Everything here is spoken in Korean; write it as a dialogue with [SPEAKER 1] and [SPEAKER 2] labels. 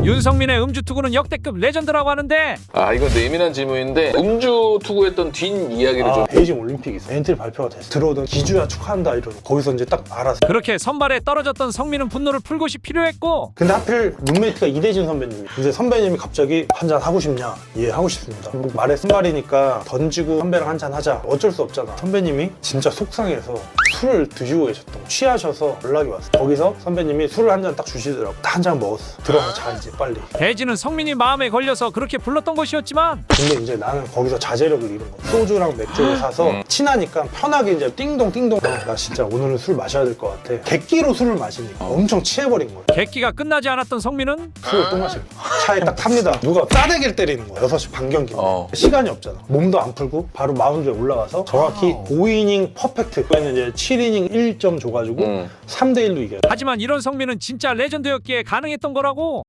[SPEAKER 1] 윤성민의 음주 투구는 역대급 레전드라고 하는데
[SPEAKER 2] 이건 예민한 질문인데 음주 투구했던 뒷이야기를 좀.
[SPEAKER 3] 베이징 올림픽이 있어. 엔트리 발표가 됐어. 들어오던 기주야 축하한다 이러고 거기서 이제 딱 알았어.
[SPEAKER 1] 그렇게 선발에 떨어졌던 성민은 분노를 풀 곳이 필요했고
[SPEAKER 3] 근데 하필 룸메이트가 이대진 선배님이. 근데 선배님이 갑자기 한잔 하고 싶냐? 예, 하고 싶습니다. 말에 선발이니까 던지고 선배랑 한잔 하자. 어쩔 수 없잖아. 선배님이 진짜 속상해서 술을 드시고 계셨던 거. 취하셔서 연락이 왔어. 거기서 선배님이 술을 한 잔 딱 주시더라고. 딱 한 잔 먹었어. 들어가 자 이제 빨리.
[SPEAKER 1] 대진은 성민이 마음에 걸려서 그렇게 불렀던 것이었지만
[SPEAKER 3] 근데 이제 나는 거기서 자제력을 잃은 거야. 소주랑 맥주를 사서 친하니까 편하게 이제 띵동 나 진짜 오늘은 술 마셔야 될 것 같아. 객기로 술을 마시니까 엄청 취해버린 거야.
[SPEAKER 1] 객기가 끝나지 않았던 성민은
[SPEAKER 3] 술을 또 마시고 차에 딱 탑니다. 누가 싸대기를 때리는 거야. 6시 반 경기. 시간이 없잖아. 몸도 안 풀고 바로 마운드에 올라가서 정확히 5이닝 퍼펙트. 그에는 이제 7이닝 1점 줘가지고 3대1로 이겨요.
[SPEAKER 1] 하지만 이런 성민은 진짜 레전드였기에 가능했던 거라고.